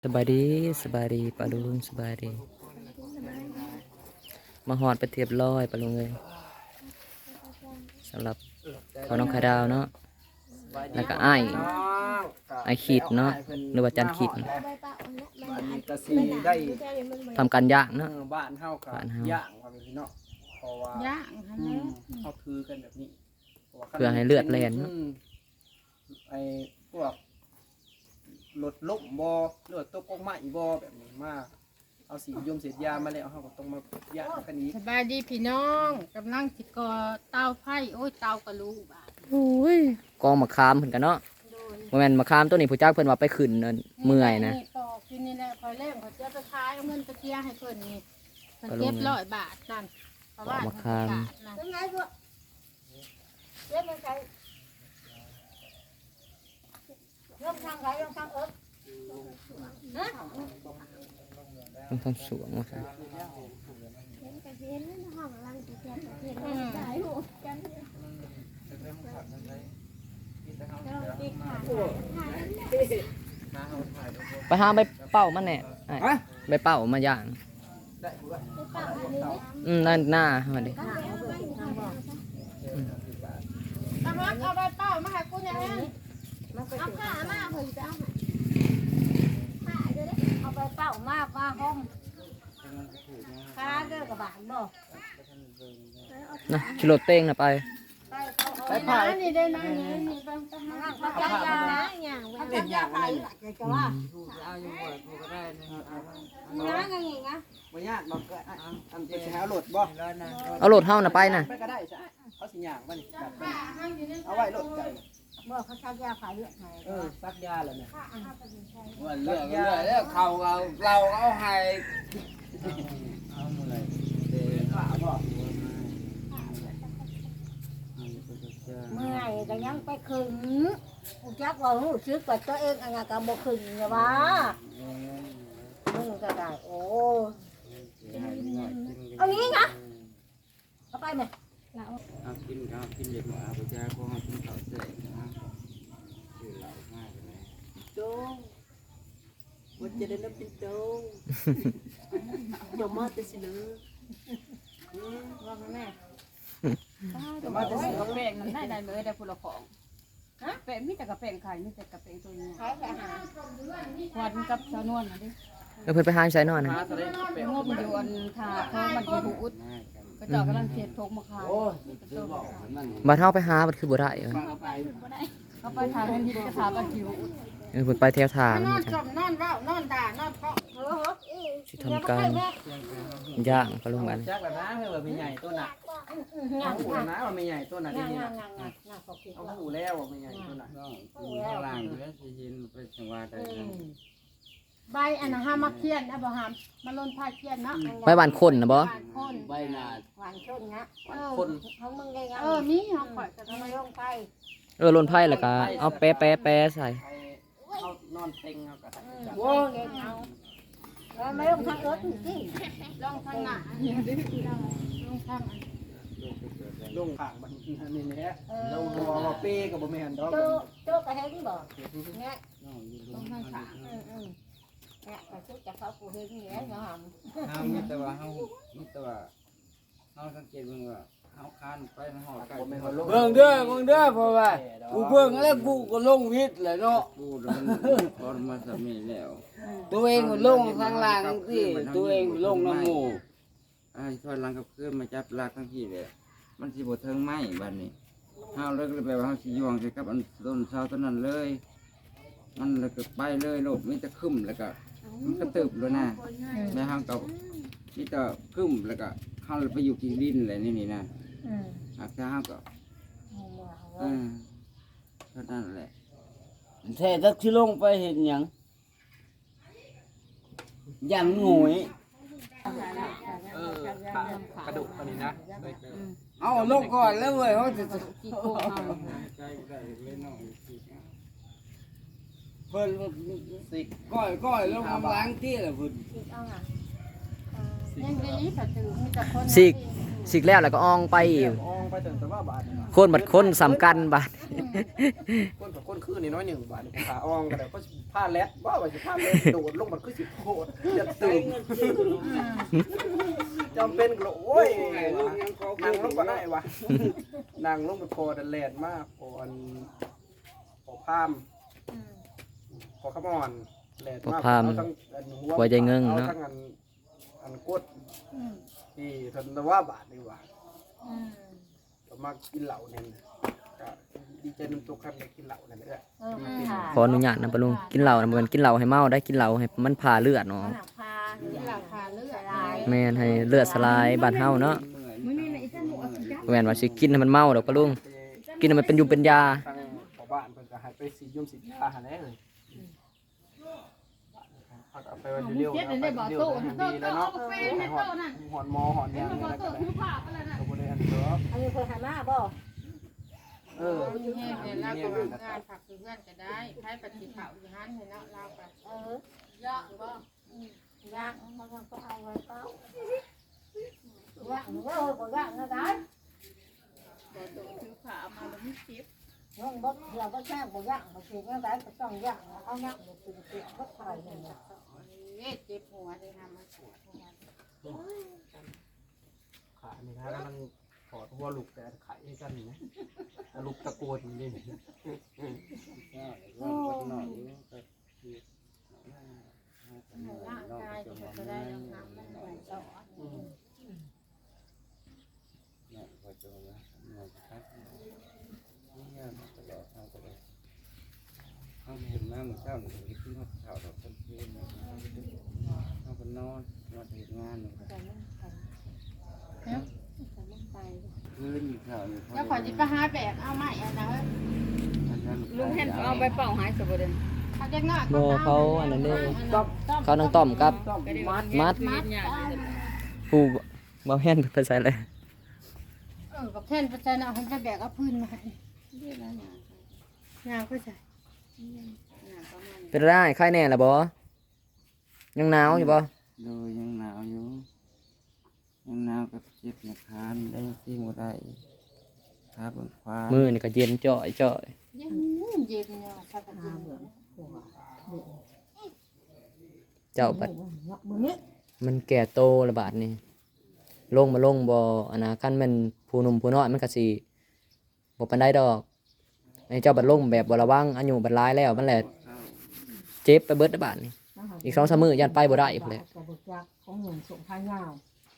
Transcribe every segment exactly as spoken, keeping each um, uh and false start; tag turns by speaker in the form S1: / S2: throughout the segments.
S1: สบายดีสบายดีปะลุงสบายดีมาหอดไปเทียบร้อยปะลุงเลยสำหรับขอน้องไข่ดาวเนาะแล้วก็ไอ้ไอ้ขีดเนาะหรือว่าจันขีดทำการย่างเนาะ
S2: บ้านเฮากับย่างว่าเป็นพี่เนาะเพราะว่า
S3: ย่างหั่นแหละ
S2: เฮาถือกันแบบนี้
S1: เพื่อให้เลือดแล่นเนาะ
S2: ไอ้พวกรถล้มบ่เลือดตกกงไม้บ่แบบนี้มาเอาสียมเศษยามาแล้วเฮาก็ต้องมาย่างกันนี้
S3: สบายดีพี่น้องกำลังสิก่อเตาไฟโอ้ยเตากระลูบาด
S1: โอ้ยกองมะขามเพิ่นกันเนาะบ่แม่นมะขามตัวนี้ผู้จักเพิ่นว่าไปขึ้นนั่นเมื่อยนะ
S3: ปอกกินนี่แหละพอเล่มเขาจะไปขายเอาเงินไปเที่ยให้เพิ่นนี่เพิ่นเก็บร้อยบาทนั่นเพราะว่า
S1: ปอกมะขาม
S3: เป็นไงพวกเก็บมันใช้เริ่มทางไหนเริ่มทางเอิบฮะ
S1: ต้องทำสวงว่าซั่นไปหาใบเป้ามันแน่ไอ้ใบเป้ามาย่างอืมนั่นหน้ามาดิ
S3: ตำรวจเอาใบเป้ามาให้กูเนี่ยเอาข้ามาเพิ่นจะเอาข้าเด้อเอาใบเป้ามาว่าห้องข้าเด้อกระบาดบ่
S1: นะชิโร่เต้งนะไป
S3: ไปผ่านนี่ได้นะนี่นี่บางตำนานเขาใจยาอย่างเว้ยเล่นอย่างไรจะว่าเอาอยู่บ่กูก็ได้นะงั้นไงงะ
S2: บ่ยากบ่ก็อันเป็นสิหาโหลดบ่
S1: เอาโหลดเฮานะไปนะ
S2: ไปก็ได้ซะเขาสิย่างบ่นี่แบบเอาไว้โหลดกัน
S3: บ่เขาใช้ยาขายเลือดให้
S2: เออซักยาแล้วเนี่ย
S4: ว่าเลือกเลือกแล้วเขาเอาเราเอาให้เอาหมดเลยเด้อขาบ่
S3: เมื่อยก็ยังไปขึงกูจักว่ารู้สึกว่าตัวเองอันนั้นก็บ่ขึงนะว่ามึงก็ได้โอ้เอางี้นะเอาไปมั้ย
S4: เอากินเอากินเด็กมาเอาไปแจกพวกเขากินข้าวเสร็จนะคือเหล่ามากเลย
S2: โตวันจะได้นับเป็นโตอย่ามาแต่สิเลย
S3: ว่าแม่
S2: อย่ามาแต่สิ
S5: กระเปงมันได้ได้เลยได้ผลของฮะเปงมีแต่กระเปงไข่มีแต่กระเปงตัวนี้
S3: ขายไปหา
S5: ควันกับชานวลนะดิ
S1: เออเพิ่นไปหาใส่นอนนะ
S2: หาทะเลเป็น
S5: งบอยู่อันทาเขามันอยู่หูอุดก็เจ้ากำลังเสียทงมาขาย
S4: โอ้ยคือบอกมัน
S1: บัดเฮาไปหาบัดคือบ่ได้เออ
S5: เขาไปทางนั้นดิก็ถามกันอยู่อุด
S1: เออเพิ่นไปแถวทาง
S3: นอนจมนอนเว้านอนด่านอนเพาะเออ
S1: สิทำการย่างปะลุงกัน
S2: จักแล้วนะเฮ้ยว่ามีใหญ่ตัวน่ะเอาหูนะว่ามีใหญ่ตัวน่ะที่นี่น่ะเอาหูแล้วว่ามีใหญ่ตัวน่ะ
S4: ต้องกินข้างล่างอยู่แล้วสิยินไปจังหวัดใดกัน
S3: ใบอันนั้นห้ามาเคียนนะบ่หามมาล้นผ้าเคียนเนาะ
S1: ไปบ้านคนนะบ่
S3: คน
S4: ใบหน้า
S3: หวานชนนะ
S2: คน
S3: เขามึงไงเออมีเขาปล่อยแต่ทำไมลงไป
S1: เออลนไผ่แล้วก็เอาแปะแปะแปะใส่
S2: เขานอนเต็งเอากระทั่งจับ
S3: โว้ยเอาแล้วไม่ลงทางเอิร์ธจริงลงทางหน้าลงทาง
S2: ลงข้างมันนี่แหละลงบ่ว่าเป้ก็บ่แม่นดอก
S3: โตโตกระเฮงบ่เนี่ย
S4: น้องอยู่
S3: ลงทางขาอืมอืมเนี่ยกระชุกจะเข้ากูเฮงนี่แหละเนาะ
S4: เฮามีแต่ว่าเฮามีแต่ว่าเฮาสังเกตเบิ่งว่าเฮาคานไปมันหอดไก่
S2: บ่แม่นว่าลง
S4: เบิ่งเด้อเบิ่งเด้อเพราะว่ากูเบิ่งแล้วกูก็ลงวิทย์แหละเนาะกูมันพอมาสมีแล้วตัวเองก็ลงข้างล่างสิตัวเองลงน้ำหมู่ไอ้ถอยหลังกับเพื่อนมาจับลากทั้งที่เลยมันสิบ่เทิงไม้บัดนี้เฮาเลยก็เลยไปว่าเฮาสิย่องใส่กับอันต้นเสาต้นนั้นเลย มันเลยก็ไปเลยโลดมีแต่คึ้มแล้วก็มันก็ตึบเลยนะแล้วเฮาก็มีแต่คึ้มแล้วก็เฮาเลยไปอยู่ที่ดินอะไรนี่นี่นะ
S3: อืม
S4: อาจจะเฮาก็เออเท่านั้นแหละ
S6: แท้ทักที่ลงไปเห็นหยังอย่างหงอย
S2: เออกระดูกอันนี้นะ
S6: เอาลงก่อนแล้วเว้ยเขาจะ
S5: กี่โกงเอา
S6: เพิ่นสิก้อยก้อยลงล้างที่ละเพิ่น
S3: เอาอ่ะยังดีถ้าตื่นมีแต่คน
S1: สิกสิกแล้วแล้วก็อองไปอีก
S2: อองไปถึงแต่ว่าบาทนี่ว่ะ
S1: คนบัดคนสำคัญบาด
S2: คนกับคนคือนี่น้อยหนึ่งบาทนี่ขาอองก็ได้ก็ผ้าแลดว่าว่าสิผ้าแลดโดดลงมันคือสิโคตรจะตื่นจำเป็นก็โอ้ยนั่งลงก็ได้วะนั่งลงไปพอดันแลนมากพออันพอพามพอขมอนแลนมากเอาทั้งอันหัว
S1: หัวใจเงิง
S2: เอา
S1: เนาะ
S2: ทั้งอันอันกดที่ทันตะว่าบาทนี่ว่ะก็มากินเหล้าเนี่ยก็ดีใจน้ำตกครับได้กินเหล้านั่นแหละ
S1: ขออนุญาตนะปะลุงกินเหล้านะบ่แมันกินเหล้าให้เมาได้กินเหล้าให้มันพาเลือดเนาะ
S3: หนักพา
S5: นี่ราคาเลือด
S3: ลาย
S1: แม่นให้เลือดสลายบ้านเฮาเนาะ
S5: มื้อนี้น่ะอีจันหมูเอาสิจ้ะ
S1: บ่แม่นว่าสิกินให้มันเมาดอกปะลุงกินให้มันเป็นอยู่เป็นยา
S2: ทางชาวบ้านเพิ่นก็ให้ไปสียุ่มสียาหาแน่เลยพักเอาไปวันเดียว
S5: เจ็ด
S2: นะ
S5: ได้
S2: ไป
S5: บ่
S2: เดียว
S5: โต
S2: ดี
S5: โต
S2: แล้ว
S5: เอา
S2: เนาะ
S5: กาแฟ
S2: ให้
S5: ให้
S2: ห
S5: โต
S2: อน
S5: นั่น
S2: หอนหมอหอน
S5: เห็น
S2: ยาง
S5: บ่
S2: อะไร
S5: โต
S2: ก็ได้
S5: คือผ้าไปแล้วน่ะ
S2: ก็บ่ได้อันเด้อ
S3: อันนี้เคยหามาบ่
S2: เออ
S5: อยู่แห้งเนี่ยเราก็ว่างานผักคือเพื่อนก็ได้ไผปฏิเผาอยู่หันให้เนาะเราก็
S3: เออ
S5: เยอะบ่
S3: ย่างมันก็เอาไว้เป้าย่างมันก็บ่ย่างนะได้
S5: บ่โตคือผ้าเอามาแล้วมีเจ็บ
S3: น้องบ่เดี๋ยวบ่แช่บ่ย่างบ่สิก็ได้ก็ต้องย่างเอาย่างบ่สิสิบ่ทายนี่นะ
S5: เอ๊ะเจ็บหัวได้ทำมาปวดหัว
S2: ขานี่นะมันถอดหัวลูกแต่ไข่ให้กันนี่นะลูกตะโกนนี่นี่
S5: ร่างกายก็บ่ได้น้ำมันไหลต่อ
S4: เขาเห็นมาเมื่อเช้าหนึ่งขึ้นเขาเข่าดอกต้นเทียนเขาก็นอนนอนเห็นงานเลยคืนข่าวอยู่
S5: แล้วขอจิไปหาแบกเอาไม้อันนะเฮ้ยลุงเห็นเอาไปเป่าหายสบเดนเขาจะงอก
S1: บ่เขาอันนั้นเด้
S2: ต้อม
S1: เขานางต้อมกับ
S2: ต้อมมัด
S1: มัด
S5: มัด
S1: ผู้บ่แม่นภาษาอะไร
S5: เออกับเท่นประจันเอาให้ไปแบกเอาพื้นมาให้เรียกแล้วงานก็ใส่งานประมาณ
S1: เป็นได้ไข้แน่ล่ะบ่ยังหนาวอยู่บ่
S4: โดยยังหนาวอยู่ยังหนาวกับเจ็บในคานได้ซิ่งบ่ได้ขาบนควา
S1: มื้อนี่ก็เย็นจ้อยจ้อย
S5: เย็นเย็นเนี่ยสักที
S1: เจ้าบัด
S3: มื้อนี้
S1: มันแก่โตระบาดนี่ลงมาลงบ่อันนะคันแม่นผู้หนุ่มผู้น้อยมันก็สิบ่ปานใดดอกไอ้เจ้าบัดลงแบบบ่ระวังอายุบัดหลายแล้วมันแหละเจ็บไปเบิดระบาดนี่อีกสองสามมื้อยันไปบ่ได้พุ่นแหละ
S3: ก็บ่จักของหนุ่มส่งพายาว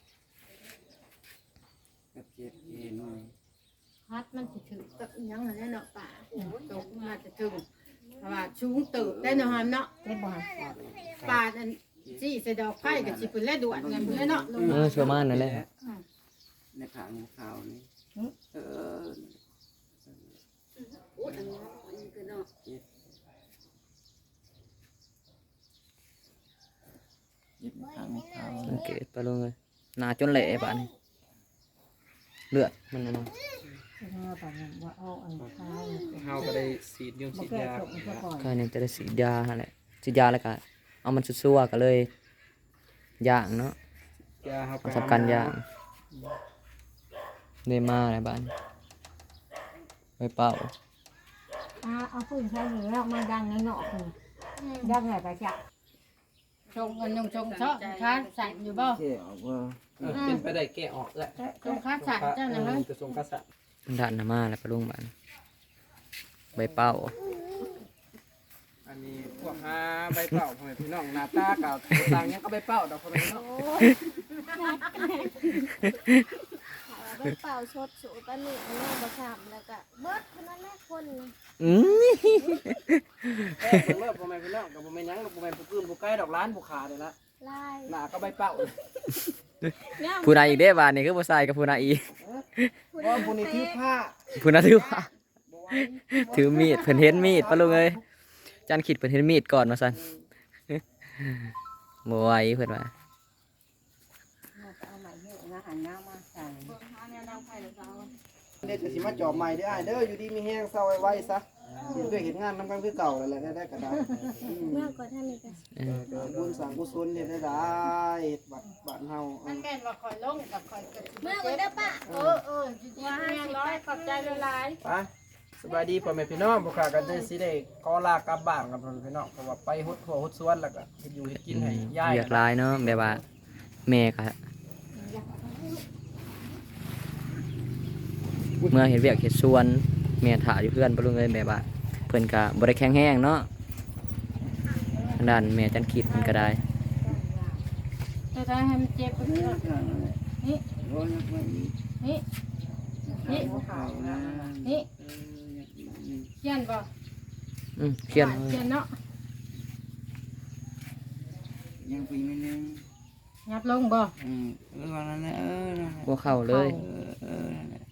S4: กับเจ็บเองเลย
S5: ฮัดมันสิถือกับอีหยังนั่นเนาะป่าตกมาจะถึงเพราะว่าชูงตื่นได้เนาะฮันเนาะ
S3: ได้บ่
S5: ป่าอันจี้ใส่ดอกไผ่กับสิเป็นแลด่วนกันเพื่อเนาะลุง
S1: เออประมาณนั้นแหละ
S4: ในขางข่าวนี่เออ
S5: อุ้ยอันนี้อันนี้คือเนาะ
S4: เจ็บเจ็บในขางข่าว
S1: สังเกตไปลงเลยหน้าจนเละบาดนี่เลือดมันน่ะเนาะ
S3: เออปานนั้นว่าเอาอันพาย
S2: เฮาก็ได้สีดยุ่ม
S3: บ่
S2: สี
S3: แก้
S2: ยา
S3: ตกซะก่อน
S1: ก็เนี่ยจะได้ฉีดยาหั่นแหละฉีดยาแล้วก็เอามันซั่วๆก็เลยย่างเนาะ
S2: ยาเฮา
S1: เอาทำการย่างได้มาอะไรบ้านไปเป่า
S3: อ่าเอาปืนใช้นี่แล้วมาดังในเนาะนี่ดังไหนก็จัก
S5: ชงกันยงชงชอบค้าสั่นอยู่บ่
S4: เจ็บว่า
S2: เป็นไปได้แก้ออกแล้ว
S5: ชงค้าสั่นเจ้านะเฮ้ย
S2: กระทรวงกษัตริย์
S1: ด่านหน้ามาแล้วไปลุงบ้านไปเป่า
S2: อันนี้พวกหาใบเป่าพ่อแม่พี่น้องหน้าตาเก่าต่างยังก็ใบเป่าดอกพ่อแม่พี่น้อง
S7: ไปเป่าชดสูตะหนิแม่ประชามแล้วก็เบิดคนนั้นแม่คนน่ะ
S1: อืม
S2: แป้งเบิ่งเลิกพ่อแม่พี่น้องกับพ่อแม่หยังกับพ่อแม่ผู้อื่นผู้ใกล้ดอกล้านผู้ขาเลยละ
S7: ไล่
S2: หน้าก็ใบเป่า
S1: ผู้ใดอีกเด้บ้านนี่คือผู้ชายกับผู้นายอีก
S2: เพราะผู้นี้ถือผ้า
S1: ผู้นั้นถือว่าถือมีดเพิ่นเห็นมีดปะลุงเอ้ยจันขิดเพิ่นเห็นมีดก่อนมาสั่นบ่ไหวเพิ่นว่า
S3: เอาใหม่เยอะนะหันหน้ามาใส่
S5: หาแนวดังไผ่หรือเปล่า
S2: เดี๋ยวจะสิมาจอบใหม่เด้ออ้ายเด้ออยู่ดีมีแห้งเศร้าไว้ๆซะเฮ็ดด้วยเฮ็ดงานนำกันคือเก่านั่นแหละได้ๆก็ได้อืม
S7: เมื่อก่อนท่านนี่ก็
S1: เออ
S2: เออบุญสังกุศลเฮ็ดได้ได้เฮ็ดบัดบ้านเฮา
S5: มันแม่นว่าคอยลงกับคอยเกิด
S7: เมื่อก่อนเด้อป้า
S5: เออเออจริงๆแม่ร้อยขอบใจหลาย
S2: ไปสบายดีพ่อแม่พี่น้องบ่ค่ะก็ได้สิได้ขอลากลับบ้านกับพ่อแม่พี่น้องเพราะว่าไปฮุดทั่วฮุดสวนแล้วก็เฮ็ดอยู่เฮ็ดกินให้ยาย
S1: เรียกหลายเนาะแบบว่าแม่ก็เมื่อเห็นเวียกเห็ดสวนแม่ถ่าอยู่เพื่อนปะลุงเลยแบบว่าเพิ่นก็บ่ได้แข็งแห้งเนาะทางด้านแม่จันคิดเพิ่นก็ได้
S5: ๆจะได้ให้มันเจ็บไปเรื่อยนี่
S4: ร้อนไป
S5: นี่นี่
S4: เขานะ
S5: นี่เขียนบ่
S1: อืมเขียน
S5: เขียนเนาะ
S4: ยังปีไม่นึง
S5: ยับลงบ่
S4: อืมเออวันนั้นเออนั่นแหละ
S1: บ่เข้าเลย
S4: เออเออนั่นแหละ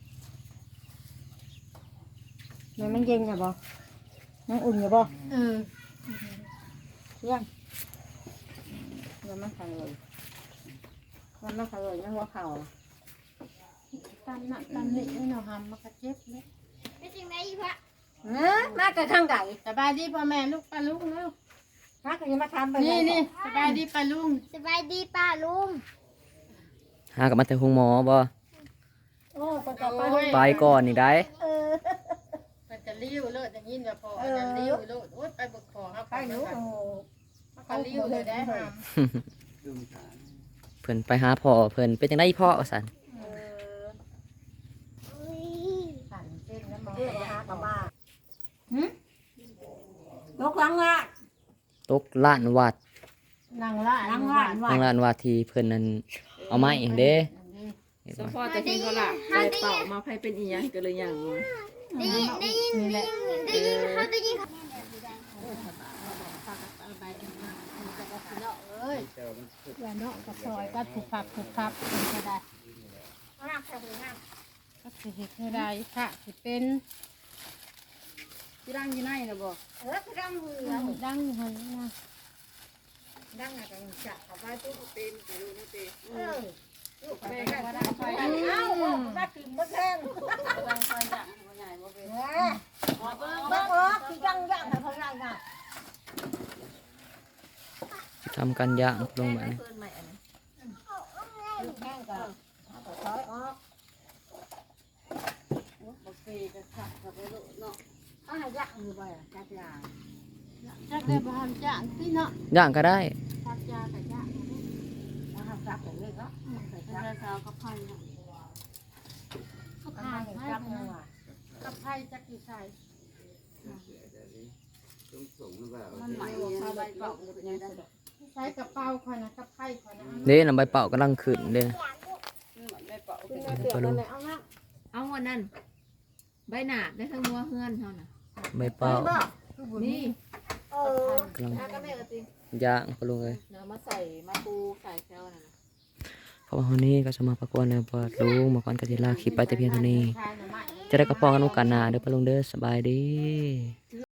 S5: มันมันเย็นอยู่บ่มันอุ่นอยู่บ่เออยังยังมันขังเลยมันมันขังเลยยังหัวเข่าตามน่ะตามนี่ไม่เอาหำมันก็เจ็บเลย
S7: เป็นจังได๋พระ
S5: เออมากระทั่งไก่สบายดีพ่อแม่ลูกป้าลุงแล้วมากระยังมาทำไปนี่นี่สบายดีป้าลุง
S7: สบายดีป้าลุง
S1: หากับมาแต่ห้องหมอบ่
S5: โอ้ก็จะไป
S1: ไปก่อนนี่ได้
S7: เออ
S5: มันจะลิ้วเลิศอย่างนี้เดี๋ยวพอมันจะลิ้วเลิศโอ๊ยไปบึกคอครับไปอยู่มันก็ลิ้วเลยได้หำ
S4: ดูฐาน
S1: เพิ่นไปหาพ่อเพิ่นเป็นจังได๋พ่อว่าซั่น
S5: เออ
S7: อุ้ย
S5: สั่นเส้นแล้วมองไปหากับมา
S3: นกหลังอ่ะ
S1: ตกล้านวัด
S5: นั่งละนั่งละ
S1: ทางล้านวัดที่เพิ่นนั้นเอาไม้เด้เห็น
S8: ส
S1: บ่
S8: ปอร์ตแต่ทีเขาละใจเป่ามาไพ่เป็นอีหยังก็เลยอย่างว่า
S7: ได้ยินได้ยิน
S5: นี่แหละ
S7: ได้ยินเขาได้ยินเขา
S5: เอ้ยอย่าเนาะกับซอยก็ถูกพับถูกพับเป็นก็ได้ก็สิเฮ็ดให้ได้ค่ะสิเป็น
S8: ที่ร่างอยี่ไหนนะบอก
S5: เออคือดังมือดังอยู่หั่นนะดังอะก็จับเอาไว้ตู้เป็นไปดูนี่เป็นเออลูกไปกันว่าดังไฟเอ้าว่าขึ้นบ่แทง
S8: ร่างไฟจังหัวใหญ่บ่เป็น
S5: บ่ออกสิจังย่างให้เพิ่นได้น่ะ
S1: ทำกันย่างลงมานี่
S8: เพิ่นใหม่อันนี้
S5: ลูกแห้งก็เอาไปถอยออก
S8: บ่เฟก็ขับกับไปลูกเนาะ
S5: เอาให้ย่างอยู่บ่ล่ะจักยาจักได้บ่ทันจ้างติเนาะ
S1: ย่างก็ได้
S5: จักยาก็ย่างบ่ทันจักอย่างนี้เนาะ
S8: เป็นราคากับไพ่เนาะ
S5: กับไผ่จักเนาะกับไผ่จักอยู่ใส่
S4: ต้องส่งหรือเปล่า
S8: มันใหม่ข้าวใบเป่าเป็นยังไง
S5: ใส่กระเป๋าค่อยนะกับไผ่ค่อยนะ
S1: เด้นำใบเป่ากำลังขึ้นเด้
S8: ใบเป่าเป็น
S1: ปะลุง
S8: เอาวันนั้นใบหนาได้ทั้งมัวเฮือนเท่าน่ะ
S1: ใบเป่า
S8: นี่
S7: เออก
S1: ำลัง
S8: ถ้าก็แม่ก็ติ
S1: ย่างปะลุงเอ้ย
S8: เนื้อมาใส่มาปูใส่แซวน่ะ
S1: เพราะว่าวันนี้ก็จะมาประกวดในบทลุงมาก่อนกติลาคลิปไปแต่เพียงเท่านี้ จะได้กระปองกันโอกาสหน้าเด้อปะลุงเด้อสบายดี